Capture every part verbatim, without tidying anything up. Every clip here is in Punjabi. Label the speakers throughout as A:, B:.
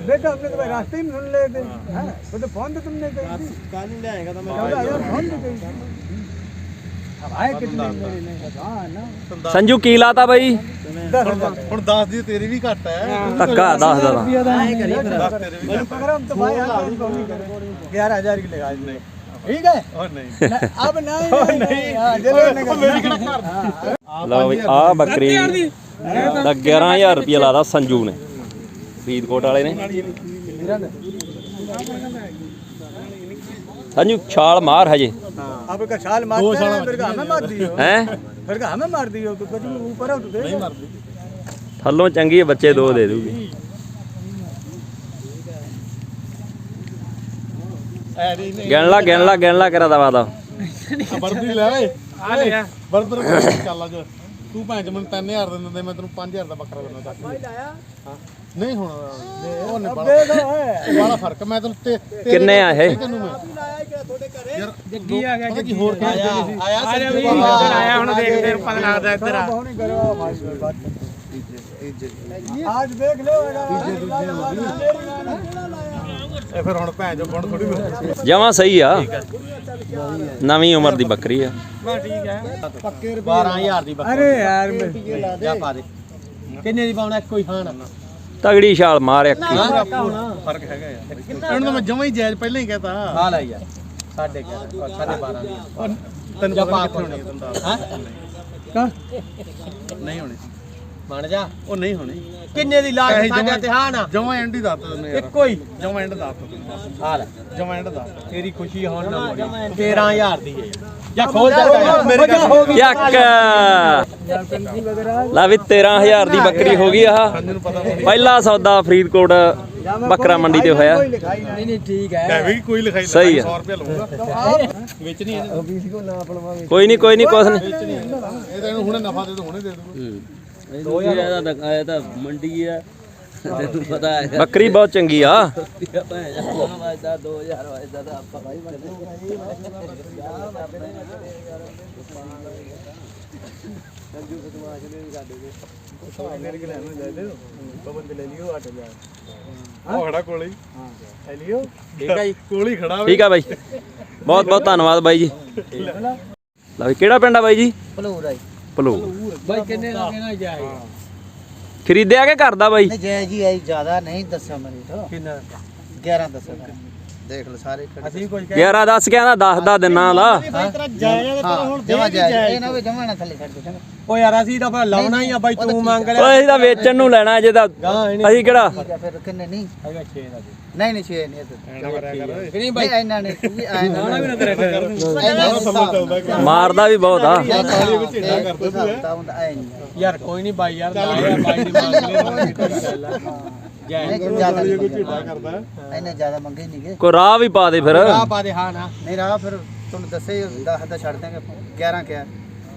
A: देखा आपने तो भाई रास्ते में सुन ले थे हैं वो तो फोन तो तुमने कही
B: कल ही लाएगा तो मैं
A: यार फोन तो कही अब आए कितने मेरे हां ना
C: संजू की लाता भाई
B: ਹੁਣ ਦਸ ਦੀ ਤੇਰੀ ਵੀ ਘੱਟ ਹੈ
C: ਧੱਕਾ दस ਦਾ
B: ਆਏ ਕਰੀ ਫਿਰ ਦਸ ਤੇਰੇ ਵੀ ਘੱਟ
A: प्रोग्राम तो भाई आप कौन नहीं करे ग्यारह हज़ार की लगा नहीं ठीक है
B: और नहीं
A: अब नहीं नहीं हां चलो
B: ਮੇਰੀ ਕਿਹੜਾ ਘਰ
C: ਲਓ ਬਈ ਆ ਬੱਕਰੀ ਦਾ ਗਿਆਰਾਂ ਹਜ਼ਾਰ ਰੁਪਏ ਲਾਦਾ ਸੰਜੂ ਨੇ ਫਰੀਦਕੋਟ ਵਾਲੇ ਨੇ ਸੰਜੂ ਛਾਲ ਮਾਰ ਹਜੇ
A: अब का छाल मारते हैं फिर का हमें मार दियो
C: हैं
A: फिर का हमें मार दियो तो कुछ ऊपर है तो दे नहीं मार
C: ਥੱਲੋਂ ਚੰਗੀ ਬੱਚੇ ਦੋ ਦੇ ਦੂਗੀ
B: ਐਰੀ ਨਹੀਂ
C: ਗਿਣ ਲਾ ਗਿਣ ਲਾ ਗਿਣ ਲਾ ਕਰਾ ਦਵਾ ਦਾ
B: ਵਰਦੀ ਲੈ ਓਏ ਆ ਲੈ ਵਰਦਰ ਚੱਲ ਅੱਜ ਤੂੰ ਭਾਂ ਚ ਮੈਨੂੰ ਤਿੰਨ ਹਜ਼ਾਰ ਦੇ ਦਿੰਦੇ ਮੈਂ ਤੈਨੂੰ ਪੰਜ ਹਜ਼ਾਰ ਦਾ ਬੱਕਰਾ ਦਿੰਦਾ ਦੱਸ ਭਾਈ ਲਾਇਆ ਹਾਂ ਨਹੀਂ ਹੁਣ ਉਹ ਨੇ ਬੜਾ ਬੜਾ ਫਰਕ ਮੈਂ ਤੈਨੂੰ ਤੇ
C: ਕਿੰਨੇ ਆ ਇਹ
B: ਤੈਨੂੰ ਮੈਂ
A: थोड़े करे
B: ਯਾਰ ਜੱਗੀ ਆ ਗਿਆ ਕੀ ਹੋਰ ਆਇਆ ਆਇਆ
A: आया भी इधर आया ਹੁਣ ਦੇਖਦੇ ਪਤਾ ਲੱਗਦਾ ਇੱਧਰ ਆ ਬਹੁਤ ਨਹੀਂ ਕਰੋ भाई बात आज देख लो
B: ਇਹ ਫਿਰ ਹੁਣ ਭੈਣ ਜੋ ਬਣ ਥੋੜੀ
C: ਜਮਾਂ ਸਹੀ ਆ ਨਵੀਂ ਉਮਰ ਦੀ ਬੱਕਰੀ ਆ
A: ठीक है
B: ਪੱਕੇ ਬਾਰਾਂ ਹਜ਼ਾਰ ਦੀ ਬੱਕਰੀ
A: अरे यार
B: ਜਾ ਪਾ ਦੇ ਕਿੰਨੇ ਦੀ ਪਾਉਣਾ ਕੋਈ ਖਾਣ
C: ਤਗੜੀ ਛਾਲ ਮਾਰ ਇੱਕ ਹੀ।
B: ਫਰਕ ਹੈਗਾ ਯਾਰ ਇਹਨੂੰ ਤਾਂ ਮੈਂ ਜਮਾਂ ਹੀ ਜਾਇਜ਼ ਪਹਿਲਾਂ ਹੀ ਕਹਤਾ
D: ਆ ਲੈ ਯਾਰ ਸਾਢੇ ਗਿਆਰਾਂ ਸਾਢੇ ਬਾਰਾਂ ਦੀ
B: ਤੈਨੂੰ ਪਤਾ ਕਿੱਥੇ ਹੋਣੀ ਦੰਦਾ
D: ਹੈ
A: का
B: ਨਹੀਂ ਹੋਣੀ
D: ਬਣ ਜਾ
B: ਉਹ ਨਹੀਂ ਹੋਣੀ
D: ਕਿੰਨੇ ਦੀ ਲਾ ਕੇ ਸਾਡਾ ਤੇ ਹਾਂ ਨਾ
B: ਜਮਾਂ ਐਂਡ ਹੀ ਦੱਸ ਦਿੰਦੇ ਯਾਰ
D: ਇੱਕੋ ਹੀ
B: ਜਮਾਂ ਐਂਡ ਦੱਸ ਦਿੰਦੇ
D: ਆ ਲੈ
B: ਜਮਾਂ ਐਂਡ ਦੱਸ
D: ਤੇਰੀ ਖੁਸ਼ੀ ਹੋਣ ਨਾ ਮੋੜੀ ਤੇਰਾਂ ਹਜ਼ਾਰ ਦੀ ਹੈ ਜਾਂ ਖੋਲ ਜਾ
B: ਮੇਰੇ ਕੋਲ
C: ਯੱਕ ਲਾ ਵੀ ਤੇਰਾਂ ਹਜ਼ਾਰ ਦੀ ਬੱਕਰੀ ਹੋ ਗਈ ਆਹ ਪਹਿਲਾ ਸੌਦਾ ਫਰੀਦਕੋਟ ਬੱਕਰਾ ਮੰਡੀ ਤੇ ਹੋਇਆ
D: ਨਹੀਂ ਨਹੀਂ ਠੀਕ ਹੈ
B: ਲੈ ਵੀ ਕੋਈ ਲਿਖਾਈ
C: ਸਹੀ ਆ।
B: ਸੌ ਰੁਪਏ ਲਊਗਾ ਵਿੱਚ ਨਹੀਂ ਇਹ
A: बीस को ना पड़वा
C: ਕੋਈ ਨਹੀਂ ਕੋਈ ਨਹੀਂ ਕੁਛ ਨਹੀਂ
B: ਤਾਂ ਇਹਨੂੰ ਹੁਣੇ ਨਫਾ ਦੇ ਦੋ ਹੁਣੇ ਦੇ ਦੂਗਾ
D: ਦੋ ਹਜ਼ਾਰ ਦਾ ਆਇਆ ਤਾਂ ਮੰਡੀ ਆ ਤੈਨੂੰ ਪਤਾ ਹੈ
C: ਬੱਕਰੀ ਬਹੁਤ ਚੰਗੀ ਆ
D: ਵਾਜਦਾ ਦੋ ਹਜ਼ਾਰ ਵਾਜਦਾ ਤਾਂ ਆਪਾਂ ਭਾਈ
A: मेरे के लेना जाए दे पवन के ले लियो आठ हजार
B: ਉਹ ਖੜਾ ਕੋਲੇ
A: हां ले लियो
D: ਠੀਕ ਹੈ ਜੀ
B: ਕੋਲ ਹੀ ਖੜਾ
C: ਠੀਕ ਆ ਬਾਈ ਬਹੁਤ ਬਹੁਤ ਧੰਨਵਾਦ ਬਾਈ ਜੀ ਲਾ ਵੀ ਕਿਹੜਾ ਪਿੰਡ ਆ ਬਾਈ ਜੀ
D: ਭਲੂਰ ਆਈ
C: ਭਲੂ
D: ਬਾਈ ਕਿੰਨੇ ਦਾ ਕਹਿਣਾ ਜਾਏ
C: ਖਰੀਦਿਆ ਕਿ ਕਰਦਾ ਬਾਈ
E: नहीं जय जी आई ज्यादा नहीं दसा मेरी तो
D: ਕਿੰਨਾ
E: ग्यारह दसा देख लो सारे
D: ਅਸੀਂ ਕੁਝ
C: ਗਿਆਰਾਂ ਦੱਸ ਕੇ ਆਂਦਾ ਦਸ ਦਾ ਦਿਨਾਂ ਲਾ
E: जमा जाए ना जमा ना थले छੱਡ ਦੇ
D: ਓ ਯਾਰ ਅਸੀਂ ਤਾਂ ਫਿਰ ਲਾਉਣਾ ਹੀ ਆ ਬਾਈ ਤੂੰ ਮੰਗ ਲਿਆ
C: ਓਏ ਅਸੀਂ ਤਾਂ ਵੇਚਣ ਨੂੰ ਲੈਣਾ ਜੇ ਤਾਂ
D: ਗਾਂ
C: ਅਸੀਂ ਕਿਹੜਾ
E: ठीक है फिर किन्ने नहीं
D: ਹੈਗਾ ਛੇ ਦਾ
E: नहीं नहीं छे नहीं तो
D: ਕਿ ਨਹੀਂ
E: भाई
D: ਬਾਈ
E: आइना नहीं ये आइना
D: ਲਾਉਣਾ ਵੀ ਨਾ ਤੇਰੇ ਫਿਰ
C: ਮਾਰਦਾ ਵੀ ਬਹੁਤ ਆ
D: ਯਾਰ ਕੋਈ ਨਹੀਂ ਬਾਈ ਯਾਰ ਲਾਇਆ ਬਾਈ ਦੀ ਮੰਗ ਲੈ ਜੈ
E: ज्यादा
B: ਕੋਈ ਝੀਟਾ ਕਰਦਾ
E: इन्ने ज्यादा मंगे नहीं गए
C: ਕੋਈ ਰਾਹ ਵੀ ਪਾ ਦੇ ਫਿਰ
D: ਆ ਪਾ ਦੇ ਹਾਂ ਨਾ
E: नहीं रहा फिर तुम दसे दस दा छੱਡ देंगे ग्यारह क्या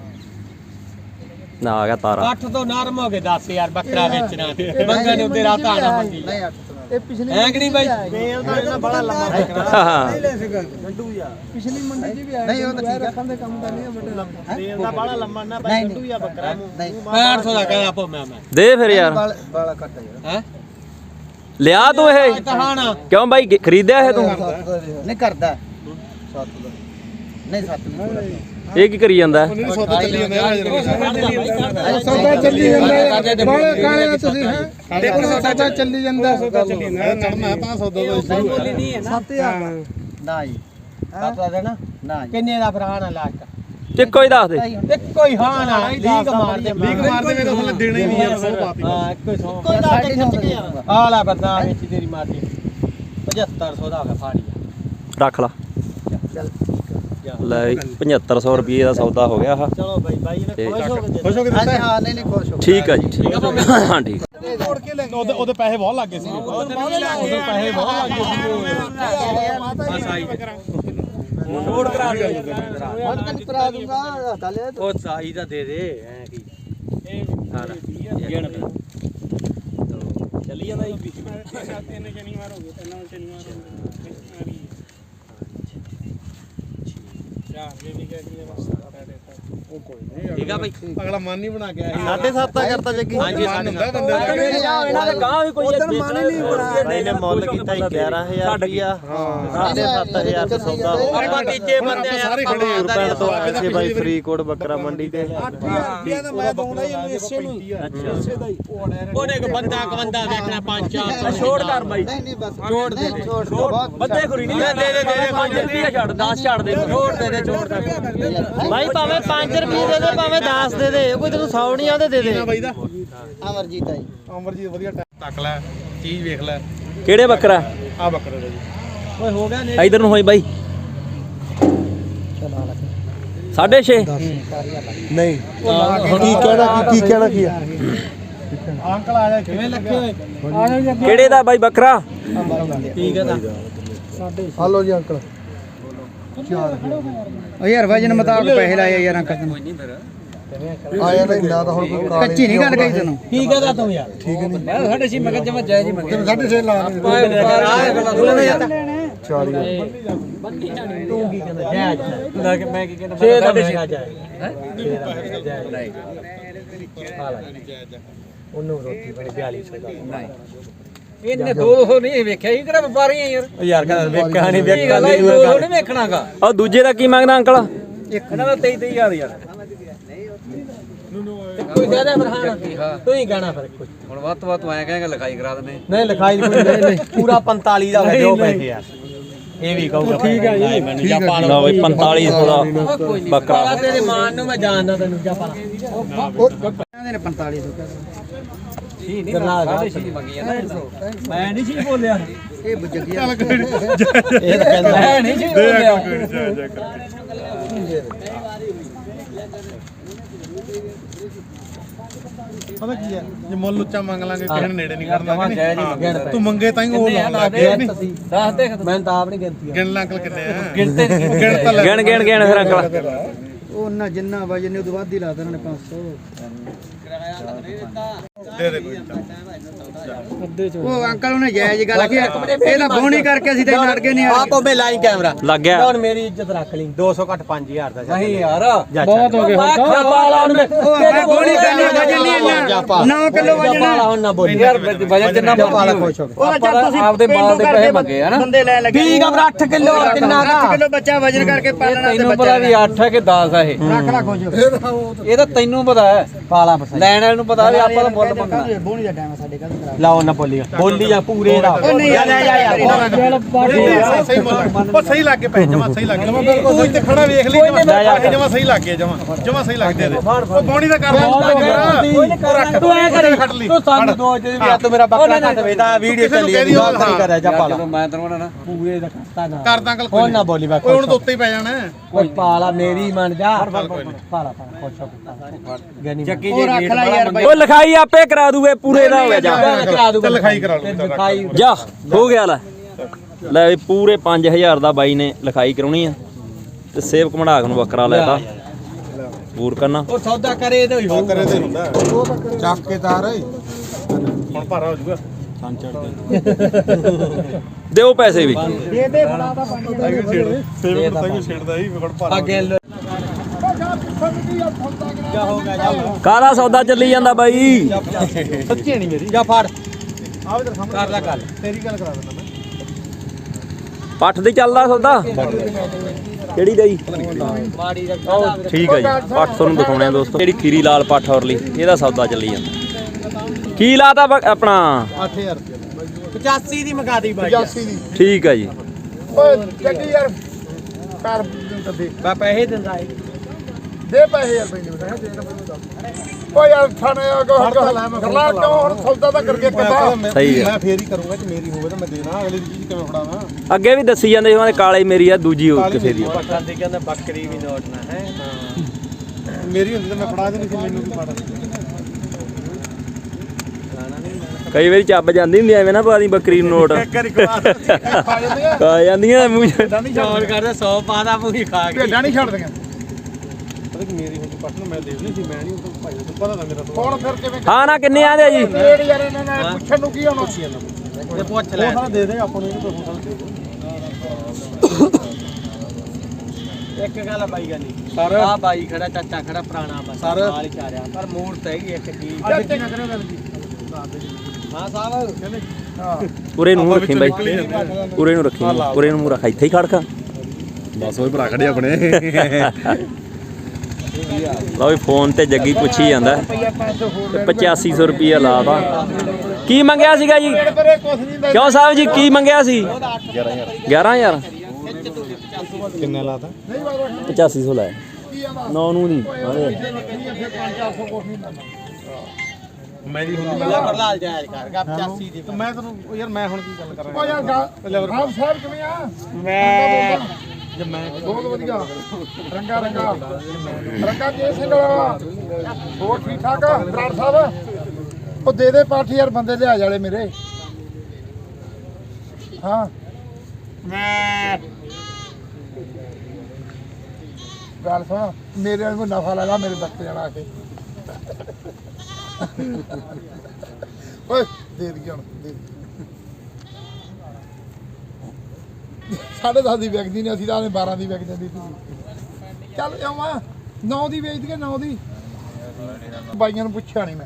C: ਨਾ ਆ ਗਿਆ ਤਾਰਾ
D: ਅੱਠ ਤੋਂ ਨਰਮ ਹੋ ਗਏ ਦਸ ਯਾਰ ਬੱਕਰਾ ਵੇਚਣਾ ਮੰਗਣ ਨੂੰ ਤੇਰਾ ਧਾਣਾ ਮੰਗੀ
E: नहीं आठ तो
A: ये पिछली
D: ਹੈ ਕਿ ਨਹੀਂ ਬਾਈ
E: बड़ा लंबा
A: नहीं ले सका गंडू यार पिछली मंडी जी भी आया
E: नहीं वो तो ठीक है
A: रखने काम का नहीं है बेटा
E: तेल दा बड़ा लंबा ना भाई गंडू या बकरा नहीं
D: ਮੈਂ ਅੱਠ ਸੌ ਦਾ ਕਹਿੰਦਾ ਆਪੋ ਮੈਂ ਮੈਂ
C: ਦੇ ਫਿਰ ਯਾਰ
E: बड़ा कट है
D: ਹੈ
C: ਲਿਆ ਤੂੰ ਇਹ
D: ਕਹਾਣਾ
C: ਕਿਉਂ ਬਾਈ ਗ- ਖਰੀਦਿਆ ਇਹ ਤੂੰ
E: नहीं करदा सात दा नहीं सात नहीं
C: ਇਹ ਕੀ ਕਰੀ ਜਾਂਦਾ
B: ਨਹੀਂ ਸੌਦਾ ਚੱਲੀ ਜਾਂਦੇ ਆ
A: सौदा चली ਜਾਂਦਾ ਬਾਲੇ ਕਾਲੇ ਨਾ ਤੁਸੀਂ ਹੈ ਦੇਖੋ ਸੌਦਾ ਚੱਲੀ ਜਾਂਦਾ ਸੌਦਾ ਚੱਲੀ ਜਾਂਦਾ
B: ਚੜਨਾ ਤਾਂ ਸੌਦਾ ਦਾ ਸ਼ੁਰੂ
A: ਸੱਤ ਹਜ਼ਾਰ
E: ना जी
D: ਸੱਤ ਦਾ ਦੇਣਾ
E: ना जी
D: ਕਿੰਨੇ ਦਾ ਫਿਰ ਹਾਂ ਲਾਸਟ
C: ਇੱਕੋ ਹੀ ਦੱਸ ਦੇ
D: ਇੱਕੋ ਹੀ ਹਾਂ ਨਾ ਲੀਕ ਮਾਰ ਦੇ
B: ਲੀਕ ਮਾਰਦੇ ਮੇਰੇ ਕੋਲ ਦੇਣੇ ਨਹੀਂ ਯਾਰ ਸੌ ਪਾਤੀ
D: ਹਾਂ ਇੱਕੋ ਹੀ ਸੌ
E: कोई साढ़े नौ का दूंगा
D: ਆ ਲੈ ਬੰਦਾ ਵਿੱਚ ਤੇਰੀ ਮਾਰਦੀ ਪਝੱਤਰ ਸੌ ਦਾ ਹੋ ਗਿਆ ਫਾੜੀ
C: ਰੱਖ ਲਾ ਲੈ ਪਝੱਤਰ ਸੌ ਰੁਪਏ ਦਾ ਸੌਦਾ ਹੋ ਗਿਆ ਆਹ
D: ਚਲੋ ਬਾਈ ਬਾਈ ਨੇ
C: ਤੇ
D: ਖੁਸ਼ ਹੋ ਕੇ
B: ਖੁਸ਼ ਹੋ ਕੇ
E: हाँ जी हाँ नहीं नहीं खुश हो
C: ਠੀਕ ਆ ਜੀ ਠੀਕ ਆ ਹਾਂ ਠੀਕ
B: ਉਹਦੇ ਉਹਦੇ ਪੈਸੇ ਬਹੁਤ ਲੱਗ ਗਏ ਸੀ
D: ਉਹਦੇ ਪੈਸੇ ਬਹੁਤ ਲੱਗ ਗਏ ਬਸ ਆਈ ਨੋਟ ਕਰਾ ਦੇ
E: मत कर करा दूंगा डाले
D: ਉਹ ਸਾਈ ਦਾ ਦੇ ਦੇ ਐ ਕੀ ਹਾਂ ਗਿਣ ਚੱਲੀ ਜਾਂਦਾ ਜੀ ਤਿੰਨ ਸ਼ਨੀਵਾਰ ਹੋ ਗਏ ਤਿੰਨ ਸ਼ਨੀਵਾਰ ਹੋ ਗਏ ਚਾਰ ਜੇ ਵੀ ਕਹਿ ਦਿਏ ਬਸ ਠੀਕ ਆ ਬਾਈ
B: ਅਗਲਾ ਮਨ ਨਹੀਂ ਬਣਾ ਕੇ ਆਇਆ
E: ਸਾਢੇ ਸੱਤ ਦਾ ਕਰਤਾ ਜੱਗੀ
B: ਹਾਂਜੀ ਮਨ ਹੁੰਦਾ ਬੰਦੇ ਦਾ
C: ਇਹਨਾਂ ਦੇ ਗਾਂ ਵੀ ਕੋਈ
E: ਇਹਨੇ ਮੁੱਲ ਕੀਤਾ ਗਿਆਰਾਂ ਹਜ਼ਾਰ ਰੁਪਿਆ ਸਾਢੇ ਸੱਤ ਹਜ਼ਾਰ ਦਾ ਸੌਦਾ
D: ਆਪਾਂ ਤੀਜੇ ਬੰਦੇ ਆ
B: ਸਾਰੇ ਖੜੇ ਹੋ
E: ਪਿੰਡ ਤੋਂ ਆਏ ਸੀ ਬਾਈ ਫਰੀਦਕੋਟ ਬੱਕਰਾ ਮੰਡੀ ਤੇ
A: ਮੈਂ ਦਊਂਗਾ ਇਹਨੂੰ ਇਸੇ ਨੂੰ ਇਸੇ ਦਾ ਹੀ
D: ਉਹਨੇ ਇੱਕ ਬੰਦਾ ਇੱਕ ਬੰਦਾ ਵੇਖਣਾ ਪੰਜ ਚਾਰ
C: ਛੋੜ ਕਰ ਬਾਈ
E: ਨਹੀਂ ਨਹੀਂ ਬਸ
D: ਛੋੜ ਦੇ ਦੇ
E: ਛੋੜ ਬਹੁਤ
C: ਬੱਦੇ ਖੁਰੀ ਨਹੀਂ
D: ਦੇ ਦੇ ਦੇ ਦੇ
C: ਪੰਜ ਰੁਪਏ ਛੱਡ ਦਸ ਛੱਡ ਦੇ
D: ਛੋੜ ਦੇ ਦੇ ਛੋੜ ਦੇ
E: ਬਾਈ ਭਾਵੇਂ ਪੰਜ ਰੁਪਏ ਦੇ ਦੇ ਭਾਵੇਂ ਦਸ ਦੇ ਦੇ ਕੋਈ ਤੈਨੂੰ ਸੌ ਨਹੀਂ ਆਉਂਦੇ ਦੇ ਦੇ
B: ਬਾਈ ਦਾ
E: ਅਮਰਜੀਤ ਆਈ
B: ਅਮਰਜੀਤ ਵਧੀਆ ਤੱਕ ਲੈ ਚੀਜ਼ ਵੇਖ ਲੈ
C: ਕਿਹੜੇ ਬੱਕਰਾ
B: ਆ ਬੱਕਰੇ ਦਾ ਜੀ
D: ਓਏ ਹੋ ਗਿਆ
C: ਇਧਰ ਨੂੰ ਹੋਈ ਬਾਈ ਸਾਢੇ ਛੇ
E: ਨਹੀਂ ਕੀ ਕਹਿਣਾ ਕੀ ਕੀ ਕਹਿਣਾ ਕੀ ਆ
B: ਅੰਕਲ ਆ ਜਾ ਕਿਵੇਂ ਲੱਗੇ ਹੋਏ
C: ਕਿਹੜੇ ਦਾ ਬਾਈ ਬੱਕਰਾ
D: ਠੀਕ ਹੈ ਤਾਂ
E: ਹਲੋ ਜੀ ਅੰਕਲ
A: ਓ ਯਾਰ ਵਜਨ ਮੁਤਾਬਕ ਪੈਸੇ ਲਾਏ ਯਾਰ ਅੰਕਲ ਤੈਨੂੰ
E: ਆਇਆ ਤਾਂ ਨਾ ਤਾਂ ਹੁਣ ਕੋਈ
A: ਕੱਚੀ ਨਹੀਂ ਗੱਲ ਕਹੀ ਤੈਨੂੰ
D: ਠੀਕ ਹੈ ਤਾਂ ਤੂੰ ਯਾਰ ਠੀਕ ਨਹੀਂ ਮੈਂ ਸਾਡੇ ਸੀ ਮੈਂ ਜਮਾ ਜਾਇਜ਼ ਹੀ ਮੰਗਿਆ
E: ਸਾਢੇ ਛੇ ਲਾ ਚਾਲੀ
D: ਤੂੰ ਕੀ ਕਹਿੰਦਾ ਜਾਇਜ਼ ਨਾ ਕਿ ਮੈਂ ਕੀ ਕਹਿੰਦਾ ਛੇ ਦਾ ਜਾਇਜ਼ ਹੈ ਨਹੀਂ ਉਹਨੂੰ ਰੋਟੀ ਬਣੀ ਬਿਆਲੀ ਸੌ ਦਾ ਨਹੀਂ ਇਹਨੇ ਦੋ ਸੌ ਨਹੀਂ ਵੇਖਿਆ ਇਹ ਕਿਹੜਾ ਵਪਾਰੀ ਆ ਯਾਰ ਯਾਰ ਕਹਿੰਦਾ ਵੇਖਿਆ ਨਹੀਂ ਵੇਖਿਆ ਨਹੀਂ ਦੋ ਸੌ ਨਹੀਂ ਵੇਖਣਾਗਾ
C: ਉਹ ਦੂਜੇ ਦਾ ਕੀ ਮੰਗਦਾ ਅੰਕਲ
D: ਇਹਨਾਂ ਦਾ ਤੇਈ ਤੇਈ ਹਜ਼ਾਰ ਯਾਰ ਕੋਈ ਜ਼ਿਆਦਾ ਫਰਹਾਨ ਤੂੰ ਹੀ ਕਹਿਣਾ ਫਿਰ ਕੁਝ
F: ਹੁਣ ਵੱਧ ਤੋਂ ਵੱਧ ਤੂੰ ਐਂ ਕਹੇਂਗਾ ਲਿਖਾਈ ਕਰਾ ਦਿੰਦੇ
D: ਨਹੀਂ ਲਿਖਾਈ ਕੋਈ ਨਹੀਂ ਪੂਰਾ ਪੰਤਾਲੀ ਦਾ ਦਿਓ ਪੈਸੇ ਯਾਰ ਇਹ ਵੀ ਕਹੂਗਾ ਠੀਕ ਹੈ ਜੀ ਮੈਨੂੰ ਜਾ ਪਾ
C: ਲਓ ਬਈ ਪੰਤਾਲੀ ਸੌ ਦਾ ਬੱਕਰਾ
D: ਤੇਰੇ ਮਾਨ ਨੂੰ ਮੈਂ ਜਾਣਦਾ ਤੈਨੂੰ ਜਾ ਪਾ
A: ਕਹਿੰਦੇ ਨੇ ਪੰਤਾਲੀ ਸੌ
D: ਸੀ ਨਹੀਂ ਸਾਢੇ ਛੇ ਦੀ ਮੰਗੀ ਮੈਂ ਨਹੀਂ ਸੀ ਬੋਲਿਆ
A: ਇਹ ਬੁੱਝਗੀ
B: ਚੱਲ ਕੋਈ ਨੀ।
D: ਇਹ ਤਾਂ ਕਹਿੰਦਾ ਮੈਂ ਨਹੀਂ ਸੀ ਬੋਲਿਆ
B: ਜਾ ਜਾ ਕਰ ਪਤਾ ਕੀ ਹੈ ਜੇ ਮੁੱਲ ਉੱਚਾ ਮੰਗ ਲਾਂਗੇ ਕਿਸੇ ਨੇ ਨੇੜੇ ਨਹੀਂ ਕਰਨਾ ਤੂੰ ਮੰਗੇ ਤਾਂ ਹੀ ਉਹ ਲਾਉਣਾ ਅੱਗੇ ਨਹੀਂ
D: ਦੱਸ ਦੇ ਮੈਂ ਤਾਂ ਆਪ ਨਹੀਂ ਗਿਣਤੀ
B: ਗਿਣ ਲਾ ਅੰਕਲ ਕਿੰਨੇ ਆ
D: ਗਿਣਤੇ ਨਹੀਂ
B: ਗਿਣ ਤਾਂ ਲੈ
C: ਗਿਣ ਗਿਣ ਗਿਣ ਫਿਰ ਅੰਕਲ
A: ਉਹਨਾਂ ਜਿੰਨਾ ਵਜਨ ਨੇ ਉਦੋਂ ਵੱਧ ਹੀ ਲਾ ਦੇਣਾ ਨੇ ਪੰਜ ਸੌ
B: ਦੇ ਦੇ ਕੋਈ
A: ਉਹ ਅੰਕਲ ਉਹਨੇ ਜਾਇਜ਼ ਗੱਲ ਕੀ ਇਹ ਤਾਂ ਬੋਣੀ ਕਰਕੇ ਅਸੀਂ ਤਾਂ ਲੜ ਗਏ ਨਹੀਂ
D: ਆਪ ਉਹ ਲਾਈ ਕੈਮਰਾ
C: ਲੱਗ ਗਿਆ
D: ਹੁਣ ਮੇਰੀ ਇੱਜ਼ਤ ਰੱਖ ਲਈ ਦੋ ਸੌ ਘੱਟ ਪੰਜ ਹਜ਼ਾਰ ਦਾ ਨਹੀਂ ਯਾਰ
A: ਬਹੁਤ ਹੋ ਗਏ ਹੁਣ ਤਾਂ।
D: ਪਾਲਾ ਉਹਨੇ
A: ਉਹ ਬੋਣੀ ਕਰਨੀ ਵਜਨ ਨਹੀਂ ਇੰਨਾ ਨੌ ਕਿਲੋ ਵਜਨ
D: ਪਾਲਾ ਹੁਣ ਨਾ ਬੋਲੀ
F: ਯਾਰ ਵਜਨ ਜਿੰਨਾ
D: ਪਾਲਾ ਖੁਸ਼ ਹੋ
A: ਉਹ ਜਦ ਤੁਸੀਂ
F: ਆਪਦੇ ਮਾਲ ਦੇ ਪੈਸੇ ਮੰਗੇ ਆ ਨਾ
A: ਬੰਦੇ ਲੈ ਲੱਗੇ
D: ਠੀਕ ਆ ਫਿਰ ਅੱਠ ਕਿਲੋ ਕਿੰਨਾ
A: ਅੱਠ ਕਿਲੋ ਬੱਚਾ ਵਜਨ ਕਰਕੇ ਪਾਲਣਾ ਤੇ
F: ਤੈਨੂੰ ਪਤਾ
A: ਬੱਚਾ
F: ਵੀ ਅੱਠ ਹੈ ਕਿ ਦਸ ਹੈ ਇਹ
A: ਰੱਖ ਲਾ ਖੁਸ਼
F: ਇਹ ਤਾਂ ਤੈਨੂੰ ਪਤਾ ਹੈ
D: ਪਾਲਾ ਪਸਾਈ
F: ਲੈਣ ਵਾਲੇ ਨੂੰ ਪਤਾ ਵੀ ਆਪਾਂ ਤਾਂ ਮੁੱਲ ਮੰਗਣਾ
A: ਬੋਣੀ ਦਾ ਟਾਈਮ ਸਾਡੇ ਕੱਲ ਖਰਾਬ
D: ਲਾਓ ਨਾ ਬੋਲੀ ਬੋਲੀ ਆ ਪੂਰੇ ਦਾ
A: ਉਹ ਨਹੀਂ ਯਾਰ ਯਾਰ
B: ਸਹੀ ਸਹੀ ਮੁੱਲ ਉਹ ਸਹੀ ਲੱਗ ਕੇ ਪੈ ਜਮਾ ਸਹੀ ਲੱਗ ਗਿਆ ਤੂੰ ਇੱਥੇ ਖੜਾ ਵੇਖ ਲਈ ਜਮਾ ਜਮਾ ਸਹੀ ਲੱਗ ਗਿਆ ਜਮਾ ਜਮਾ ਸਹੀ ਲੱਗ ਦੇ ਦੇ ਉਹ ਬੋਣੀ ਦਾ ਕਰ
D: ਤੂੰ ਐ ਕਰੀ ਤੂੰ ਸਾਨੂੰ ਦੋ ਜੇ ਵੀ ਤੂੰ ਮੇਰਾ ਬੱਕਰਾ ਕੱਟ ਵੇਦਾ ਵੀਡੀਓ ਚੱਲੀ ਜਾਂਦੀ ਗੱਲ ਨਹੀਂ ਕਰਿਆ ਜਾ ਪਾਲਾ
F: ਜਦੋਂ ਮੈਂ ਤੈਨੂੰ ਨਾ
D: ਪੂਰੇ ਦਾ ਕਰਤਾ ਨਾ
B: ਕਰਦਾ ਅੰਕਲ
D: ਹੁਣ ਨਾ ਬੋਲੀ ਬਾ
B: ਓਏ ਹੁਣ ਤਾਂ ਉੱਤੇ ਹੀ ਪੈ ਜਾਣਾ
D: ਕੋਈ ਪਾਲਾ ਮੇਰੀ ਮੰਨ ਜਾ ਪਾਲਾ ਪਾਲਾ ਖੁਸ਼ ਹੋ ਗਨੀ
F: ਚੱਕੀ
A: ਉਹ ਰੱਖ ਲੈ ਯਾਰ ਬਾਈ
C: ਉਹ ਲਿਖਾਈ ਆਪੇ ਕਰਾ ਦੂਗੇ ਪੂਰੇ ਦਾ ਹੋ ਗਿਆ ਜਾ
D: ਕਰਾ ਦੂਗਾ
B: ਚੱਲ ਲਿਖਾਈ ਕਰਾ ਲਓ
D: ਲਿਖਾਈ
C: ਜਾ ਹੋ ਗਿਆ ਲੈ ਲੈ ਵੀ ਪੂਰੇ ਪੰਜ ਹਜ਼ਾਰ ਦਾ ਬਾਈ ਨੇ ਲਿਖਾਈ ਕਰਾਉਣੀ ਆ ਤੇ ਸੇਵ ਕਮੜਾਕ ਨੂੰ ਬੱਕਰਾ ਲੈਤਾ ਪੂਰ ਕਰਨਾ
D: ਉਹ ਸੌਦਾ ਕਰੇ ਤੇ ਹੋਊ
B: ਕਰੇ ਤੇ ਹੁੰਦਾ
E: ਚੱਕ ਕੇ ਤਾਰ
B: ਹੁਣ ਭਾਰਾ ਹੋ ਜਾਊਗਾ
C: ਦਿਓ ਪੈਸੇ ਵੀ
A: ਦੇ ਦੇ ਫੜਾ ਦਾ ਪੰਜ
B: ਸੇਵ ਤਾਂ ਕੋਈ ਛੇੜਦਾ ਹੀ ਵਿਗੜ ਭਾਰਾ
D: ਅੱਗੇ ਜਾ ਹੋ ਗਿਆ ਜਾ
C: ਕਾਹਦਾ ਸੌਦਾ ਚੱਲੀ ਜਾਂਦਾ ਬਾਈ
D: ਸੱਚੀ ਨਹੀਂ ਮੇਰੀ ਜਾ ਫੜ
B: ਆ ਵੀ ਤੇਰੇ ਸਾਹਮਣੇ
D: ਕਰ ਲੈ ਗੱਲ
B: ਤੇਰੀ ਗੱਲ ਕਰਾ ਦਿੰਦਾ ਮੈਂ
C: ਪੱਠ ਦੀ ਚੱਲਦਾ ਸੌਦਾ ਕਿਹੜੀ ਦਾ ਜੀ
D: ਮਾੜੀ ਦਾ
C: ਠੀਕ ਹੈ ਜੀ ਪੱਠ ਤੁਹਾਨੂੰ ਦਿਖਾਉਣੇ ਆ ਦੋਸਤੋ ਜਿਹੜੀ ਖੀਰੀ ਲਾਲ ਪੱਠ ਔਰਲੀ ਇਹਦਾ ਸੌਦਾ ਚੱਲੀ ਜਾਂਦਾ ਕੀ ਲਾਤਾ ਬ- ਆਪਣਾ
B: ਅੱਠ ਹਜ਼ਾਰ ਰੁਪਏ
D: ਪਚਾਸੀ ਦੀ ਮਗਾ ਦੀ ਬਾਈ
B: ਪਚਾਸੀ ਦੀ
C: ਠੀਕ ਹੈ ਜੀ
B: ਓਏ ਚੱਲੀ ਯਾਰ ਕਰ ਦੇ
D: ਮੈਂ ਪੈਸੇ ਦਿੰਦਾ ਏ
B: ਦੇ ਪੈਸੇ ਯਾਰ ਪੈਂਦੇ ਬਤਾ ਦੇ ਤਾਂ ਮੈਨੂੰ ਦੱਸ ਓ ਯਾਰ ਥਾਣੇ ਆ go ਕਰਲਾ ਕਿਉਂ ਹੁਣ ਸੌਦਾ ਤਾਂ ਕਰਕੇ ਕਿੱਦਾਂ
C: ਸਹੀ ਹੈ
B: ਮੈਂ ਫੇਰ ਹੀ ਕਰੂੰਗਾ ਜੇ ਮੇਰੀ ਹੋਵੇ ਤਾਂ ਮੈਂ ਦੇਣਾ ਅਗਲੀ ਦੀ ਚੀਜ਼ ਕਿਵੇਂ ਫੜਾਵਾਂ
C: ਅੱਗੇ ਵੀ ਦੱਸੀ ਜਾਂਦੇ ਉਹਨਾਂ ਦੇ ਕਾਲੇ ਮੇਰੀ ਆ ਦੂਜੀ ਹੋ ਕਿਸੇ ਦੀ
D: ਪੱਠਾ ਤੇ ਕਹਿੰਦਾ ਬੱਕਰੀ ਵੀ ਨੋਟ ਨਾ ਹੈ
B: ਮੇਰੀ ਹੁੰਦੀ ਤਾਂ ਮੈਂ ਫੜਾ ਦੇਣੀ ਸੀ ਮੈਨੂੰ ਕੀ ਫੜਾ
C: ਕਈ ਵਾਰੀ ਚੱਬ ਜਾਂਦੀ ਹੁੰਦੀ ਐਵੇਂ ਨਾ ਪਾਦੀ ਬੱਕਰੀ ਨੂੰ ਨੋਟ
B: ਖਾ ਜਾਂਦੇ ਆ
C: ਆ ਜਾਂਦੀਆਂ ਮੂੰਹ 'ਚ।
B: ਭੇਡਾਂ ਨਹੀਂ
D: ਚੌਲ ਕਰਦਾ ਸੌ ਪਾ ਦਾ ਪੂਰੀ ਖਾ ਕੇ
B: ਭੇਡਾਂ ਨਹੀਂ ਛੱਡਦੀਆਂ ਪਤਾ ਕਿ ਮੇਰੀ ਹੁੰਦੀ ਪੱਟ ਨੂੰ ਮੈਂ ਦੇਣੀ ਸੀ ਮੈਂ ਨਹੀਂ ਉਹ ਭਾਈ ਨੂੰ ਪਤਾ ਤਾਂ ਮੇਰਾ ਹੁਣ ਫਿਰ ਕਿਵੇਂ
C: ਹਾਂ ਨਾ ਕਿੰਨੇ ਆਂਦੇ ਜੀ
B: ਰੇਡ ਯਾਰ ਇਹਨਾਂ ਨੇ ਪੁੱਛਣ ਨੂੰ ਕੀ ਹੋਣਾ
D: ਤੇ ਪੁੱਛ ਲੈ
B: ਉਹ ਸਾਰਾ ਦੇ ਦੇ ਆਪਾਂ ਨੂੰ ਇਹਨੂੰ ਕੋਈ ਪੁੱਛਣ
E: ਇੱਕ ਗੱਲ ਬਾਈ ਗੱਲ ਨਹੀਂ
B: ਸਰ
E: ਆ ਬਾਈ ਖੜਾ ਚਾਚਾ ਖੜਾ ਪੁਰਾਣਾ ਬੰਦਾ
B: ਸਰ
E: ਨਾਲ ਹੀ ਚਾਰਿਆ ਪਰ ਮੂਰਤ ਹੈਗੀ ਇੱਕ ਕੀ
B: ਅੱਜ ਕੀ ਨਾ ਕਰਿਓ ਗੱਲ ਜੀ
E: ਹਾਂ ਸਾਹਿਬ
C: ਪੂਰੇ ਨੂੰ ਰੱਖੀ ਬਾਈ ਪੂਰੇ ਨੂੰ ਰੱਖੀ ਪੂਰੇ ਨੂੰ ਰੱਖ ਇੱਥੇ ਹੀ ਖੜਕਾ
B: ਬਸ ਉਹ ਭਰਾ ਖੜੇ ਆਪਣੇ
C: ਲਓ ਵੀ ਫੋਨ ਤੇ ਜੱਗੀ ਪੁੱਛੀ ਜਾਂਦਾ ਤੇ ਪਚਾਸੀ ਸੌ ਰੁਪਈਆ ਲਾਤਾ ਕੀ ਮੰਗਿਆ ਸੀਗਾ ਜੀ ਕਿਉਂ ਸਾਹਿਬ ਜੀ ਕੀ ਮੰਗਿਆ ਸੀ ਗਿਆਰਾਂ ਹਜ਼ਾਰ
B: ਕਿੰਨਾ ਲਾਤਾ
C: ਪਚਾਸੀ ਸੌ ਲਾਇਆ ਨੌ ਨੂੰ ਨਹੀਂ
B: ਮੇਰੀ ਹੁੰਦੀ
E: ਬੱਲਾ ਪ੍ਰਲਾਲ ਜਾਇਜ਼ ਕਰ ਗਾ ਪਚਾਸੀ ਦੀ
B: ਮੈਂ ਤੈਨੂੰ ਯਾਰ ਮੈਂ ਹੁਣ ਕੀ ਗੱਲ ਕਰਾਂ
A: ਓ ਯਾਰ ਆਪ ਸਾਹਿਬ ਕਿਵੇਂ ਆ
B: ਮੈਂ ਜੇ ਮੈਂ
A: ਬਹੁਤ ਵਧੀਆ ਰੰਗਾ ਰੰਗਾ ਰੰਗਾ ਜੇ ਸਿੰਘ ਵਾਲਾ ਹੋਰ ਠੀਕ ਠਾਕ ਆ ਬਰਾੜ ਸਾਹਿਬ ਉਹ ਦੇ ਦੇ ਪਾਠ ਯਾਰ ਬੰਦੇ ਲਿਆ ਜਾਲੇ ਮੇਰੇ ਹਾਂ ਗੱਲ ਸੁਣ ਮੇਰੇ ਨੂੰ ਨਫਾ ਲਗਾ ਮੇਰੇ ਬੱਚੇ ਜਾਣਾ ਆ ਕੇ ਓਏ ਦੇ ਦੇ ਹੁਣ ਦੇ ਸਾਢੇ ਦਸ ਦੀ ਵਿਕਦੀ ਨੇ ਅਸੀਂ ਤਾਂ ਬਾਰਾਂ ਦੀ ਵਿਕ ਜਾਂਦੀ ਸੀ ਚੱਲ ਆਵਾਂ ਨੌ ਦੀ ਵੇਚ ਦਈਏ ਨੌ ਦੀ ਬਾਈਆਂ ਨੂੰ ਪੁੱਛਿਆ ਨਹੀਂ ਮੈਂ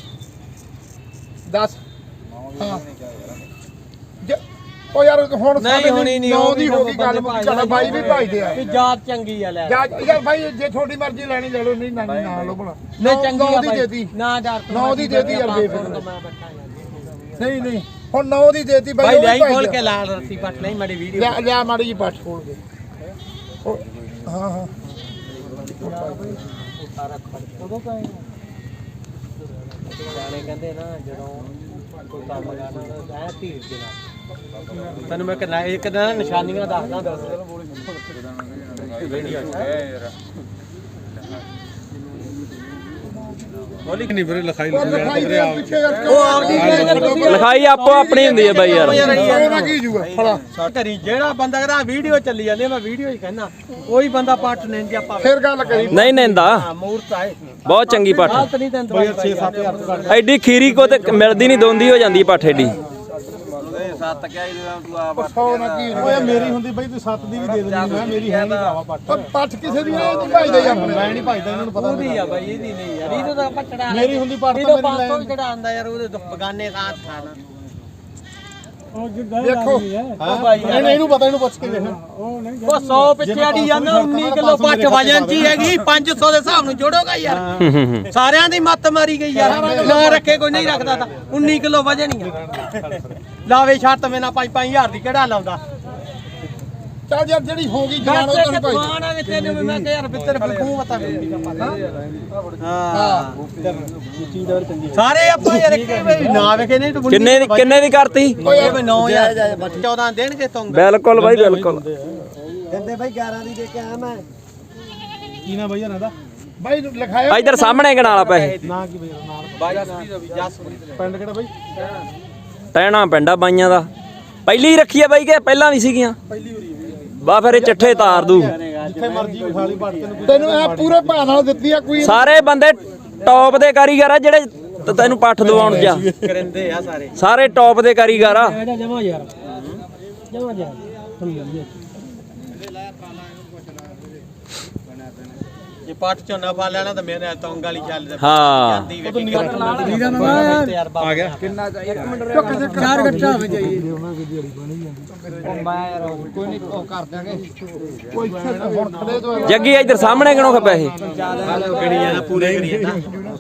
A: ਦੱਸ ਹਾਂ ਜੇ- ਉਹ ਯਾਰ ਹੁਣ
E: ਨਹੀਂ ਹੋਣੀ ਨਹੀਂ
A: ਨੌ ਦੀ ਹੋ ਗਈ ਗੱਲ ਮੁੱਕ ਬਾਈ ਵੀ ਭਾਈਦੇ ਆ
E: ਵੀ ਜਾਤ ਚੰਗੀ ਆ ਲੈ
A: ਜਾ ਯਾਰ ਬਾਈ ਜੇ ਤੁਹਾਡੀ ਮਰਜ਼ੀ ਲੈਣੀ ਲੈ ਲਓ ਨਹੀਂ ਨਾ ਨਾ ਲਓ ਭਲਾ
E: ਨਹੀਂ ਚੰਗੀ
A: ਨੌ
E: ਆ
A: ਦੀ
E: ਬਾਈ।
A: ਦੇਤੀ
E: ਨਾ ਯਾਰ
A: ਨੌ ਦੀ ਦੇਤੀ ਯਾਰ ਬੇਫਿਕਰ
E: ਮੈਂ ਬੈਠਾ ਯਾਰ
A: ਨਹੀਂ ਨਹੀਂ ਹੁਣ ਨੌ ਦੀ ਦੇਤੀ ਬਾਈ
E: ਬਾਈ
A: ਉਹ ਵੀ
E: ਲੈ
A: ਭਾਈ
E: ਖੋਲ
A: ਦੇ ਆ।
E: ਕੇ ਲਾਲ ਰੱਸੀ ਪੱਟ ਲਈ ਮਾੜੀ ਵੀਡੀਓ
A: ਲਿਆ ਲਿਆ ਮਾੜੀ ਜੀ ਪੱਟ ਖੋਲ ਕੇ ਉਹ- ਹਾਂ ਹਾਂ
E: ਉਦੋਂ ਕਾਏ ਗਾਣੇ ਕਹਿੰਦੇ ਨਾ ਜਦੋਂ ਕੋਈ ਕੰਮ ਕਰਨਾ ਐ ਧੀਰ ਦੇ ਨਾਲ ਤੈਨੂੰ ਮੈਂ ਕਿਹਾ ਇੱਕ ਦਿਨ ਨਿਸ਼ਾਨੀਆਂ ਦੱਸਦਾ ਦੱਸ
B: ਬੋਲੀ ਕਿ ਨਹੀਂ ਵੀਰੇ ਲਿਖਾਈ
A: ਉਹ ਲਿਖਾਈ ਦੇ ਪਿੱਛੇ ਯਾਰ
E: ਉਹ ਆਪਦੀ
C: ਲਿਖਾਈ ਆਪੋ ਆਪਣੀ ਹੁੰਦੀ ਹੈ ਬਾਈ ਯਾਰ
A: ਉਹਦਾ ਕੀ ਜੂਗਾ ਫੜਾ
E: ਘਰੀ ਜਿਹੜਾ ਬੰਦਾ ਕਹਿੰਦਾ ਵੀਡੀਓ ਚੱਲੀ ਜਾਂਦੀ ਆ, ਮੈਂ ਵੀਡੀਓ ਹੀ ਕਹਿੰਦਾ ਉਹੀ ਬੰਦਾ ਪੱਟ ਲੈਣ ਦੀ ਆਪਾਂ
A: ਫਿਰ ਗੱਲ ਕਰੀ
C: ਨਹੀਂ ਨੈਂਦਾ
E: ਹਾਂ ਮੂਰਤ ਆਏ
C: ਬਹੁਤ ਚੰਗੀ ਪੱਠ
E: ਹਾਲਤ ਨਹੀਂ ਤੈਨੂੰ ਦਵਾਈ
B: ਛੇ ਸੱਤ ਹਜ਼ਾਰ ਤੋਂ ਘੱਟ
C: ਐਡੀ ਖੀਰੀ ਕੋ ਤੇ ਮਿਲਦੀ ਨਹੀਂ ਦੋਂਦੀ ਹੋ ਜਾਂਦੀ ਪੱਠ ਐਡੀ
A: ਸੌ ਨਾ ਕੀ
B: ਓਏ ਮੇਰੀ ਹੁੰਦੀ ਬਈ ਤੂੰ ਸੱਤ ਦੀ ਵੀ ਦੇ ਦਿੰਦੀ ਮੈਂ ਮੇਰੀ ਹੈ ਨਹੀਂ ਭਰਾਵਾ ਪੱਟ
A: ਉਹ ਪੱਠ ਕਿਸੇ ਦੀ ਇਹ ਨਹੀਂ ਭਾਈਦੇ ਯਾਰ
B: ਮੈਂ ਨਹੀਂ ਭਾਈਦਾ ਇਹਨਾਂ ਨੂੰ ਪਤਾ
E: ਉਹਦੀ ਆ ਬਾਈ ਇਹਦੀ ਨਹੀਂ ਯਾਰ ਇਹਦੇ ਤਾਂ ਆਪਾਂ ਚੜਾ
B: ਮੇਰੀ ਹੁੰਦੀ ਪੱਟ ਤਾਂ
E: ਇਹਦੇ
B: ਮੇਰੀ
E: ਪੰਜ ਸੌ
B: ਲੈ
E: ਜਿਹੜਾ ਆਂਦਾ ਯਾਰ ਉਹਦੇ ਤੋਂ ਬਗਾਨੇ ਸਾਥ ਖਾਣਾ
A: ਦੇਖੋ
B: ਹਾਂ ਇਹਨੂੰ ਇਹਨੂੰ ਪਤਾ ਇਹਨੂੰ ਪੁੱਛ ਕੇ ਦੇਖ
E: ਉਹ ਸੌ ਪਿੱਛੇ ਅੜੀ ਜਾਂਦਾ ਉੱਨੀ ਕਿਲੋ ਪੱਟ ਵਜਨ ਚ ਹੀ ਹੈਗੀ ਪੰਜ ਸੌ ਦੇ ਹਿਸਾਬ ਨੂੰ ਜੋੜੋਗਾ ਯਾਰ ਸਾਰਿਆਂ ਦੀ ਮੱਤ ਮਾਰੀ ਗਈ ਯਾਰ ਨਾ ਰੱਖੇ ਕੋਈ ਨਹੀਂ ਰੱਖਦਾ ਤਾਂ ਉੱਨੀ ਕਿਲੋ ਵਜਨ ਹੀ ਆ ਲਾਵੇ ਛੱਤ ਮੇਨਾ ਪੰਜ ਪੰਜ ਹਜ਼ਾਰ ਦੀ ਕਿਹੜਾ ਲਾਉਂਦਾ
A: ਚੱਲ ਯਾਰ ਜਿਹੜੀ ਹੋ ਗਈ ਜਾਨ ਉਹ ਤਾਂ ਭਾਈ
E: ਦੁਕਾਨ ਆ ਵੀ ਤੈਨੂੰ ਵੀ ਮੈਂ ਕਿਹਾ ਯਾਰ ਬਿੱਤਰ ਬਲਕੂ ਮਤਾ ਹਾਂ ਸਾਰੇ ਆਪਾਂ ਯਾਰ ਇੱਕ ਵਾਰੀ ਨਾ ਵੇਖੇ ਨਹੀਂ ਤੂੰ
C: ਕਿੰਨੇ ਦੀ ਕਿੰਨੇ ਦੀ ਕਰਤੀ
E: ਇਹ ਵੀ ਨੌ ਹਜ਼ਾਰ ਚੌਦਾਂ ਦੇਣਗੇ ਤੁੰਗ
C: ਬਿਲਕੁਲ ਬਾਈ ਬਿਲਕੁਲ
E: ਦਿੰਦੇ ਬਾਈ ਗਿਆਰਾਂ ਦੀ ਦੇ ਕੇ ਆਇਆ ਮੈਂ
B: ਕੀ ਨਾ ਬਈ ਇਹਨਾਂ ਦਾ
A: ਬਾਈ ਲਿਖਾਇਆ
C: ਇੱਧਰ ਸਾਹਮਣੇ ਗਿਣਾ ਲਾ ਪੈਸੇ
B: ਨਾ ਕੀ ਬਈ ਨਾਲ
E: ਬਾਈ ਦਾ ਵੀ ਜਸਪ੍ਰੀਤ
B: ਪਿੰਡ ਕਿਹੜਾ ਬਈ
C: ਟਹਿਣਾ ਪਿੰਡਾ ਬਾਈਆਂ ਦਾ ਪਹਿਲੀ ਰੱਖੀ ਆ ਬਾਈ ਕਿ ਪਹਿਲਾਂ ਵੀ ਸੀਗੀਆਂ ਬਾ ਫਿਰ ਇਹ ਚੱਠੇ ਤਾਰ ਦੂ
B: ਜਿੱਥੇ ਮਰਜੀ ਉਠਾ ਲਈ ਪੱਟ ਤੈਨੂੰ
A: ਤੈਨੂੰ ਇਹ ਪੂਰੇ ਭਾਅ ਨਾਲ ਦਿੱਤੀ ਆ ਕੋਈ
C: ਸਾਰੇ ਬੰਦੇ ਟੌਪ ਦੇ ਕਾਰੀਗਰ ਆ ਜਿਹੜੇ ਤ- ਤੈਨੂੰ ਪੱਠ ਦਵਾਉਣ ਜਾ
E: ਕਰਿੰਦੇ ਆ ਸਾਰੇ
C: ਸਾਰੇ ਟੌਪ ਦੇ ਕਾਰੀਗਰ ਆ
E: ਜਮਾ ਯਾਰ ਜਮਾ ਯਾਰ ਜੇ ਪੱਟ ਚੋਂ ਨਾ ਪਾ ਲੈਣਾ ਤਾਂ ਮੇਰੇ ਤੌਂਗ ਵਾਲੀ ਚੱਲ
C: ਹਾਂ
E: ਜਾਂਦੀ ਵੇਖੀ ਯਾਰ ਆ ਗਿਆ
F: ਕਿੰਨਾ ਇੱਕ ਮਿੰਟ
E: ਚਾਰ ਗੱਟਾ ਹੋ ਜਾਈ
A: ਕੋਈ ਹੁਣ ਖੜੇ ਤੋਂ
C: ਜੱਗੀ ਇੱਧਰ ਸਾਹਮਣੇ ਗਿਣੋ ਪੈਸੇ
E: ਗਣੀਆਂ ਨਾਲ ਪੂਰੇ ਗਣੀਆਂ ਨਾ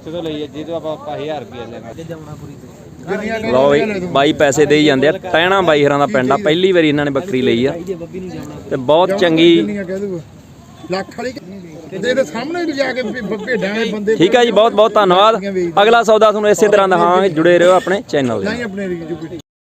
C: ਲਓ ਬਈ ਬਾਈ ਪੈਸੇ ਦੇਈ ਜਾਂਦੇ ਆ ਟਹਿਣਾ ਬਾਈ ਹਰਾਂ ਦਾ ਪਿੰਡ ਆ ਪਹਿਲੀ ਵਾਰੀ ਇਹਨਾਂ ਨੇ ਬੱਕਰੀ ਲਈ ਆ ਤੇ ਬਹੁਤ ਚੰਗੀ
A: ਕਿੰਨੀਆਂ ਕਹਿ ਦੂਗਾ ਲੱਖ ਵਾਲੀ ਇਹਦੇ ਸਾਹਮਣੇ ਲਿਜਾ ਕੇ ਭੇਡਾਂ ਦੇ ਬੰਦੇ
C: ਠੀਕ ਹੈ ਜੀ ਬਹੁਤ ਬਹੁਤ ਧੰਨਵਾਦ ਅਗਲਾ ਸੌਦਾ ਤੁਹਾਨੂੰ ਇਸੇ ਤਰ੍ਹਾਂ ਦਿਖਾਵਾਂਗੇ ਜੁੜੇ ਰਹੋ ਆਪਣੇ ਚੈਨਲ ਦੇ
A: ਨਹੀਂ ਆਪਣੇ ਰੀਜੂ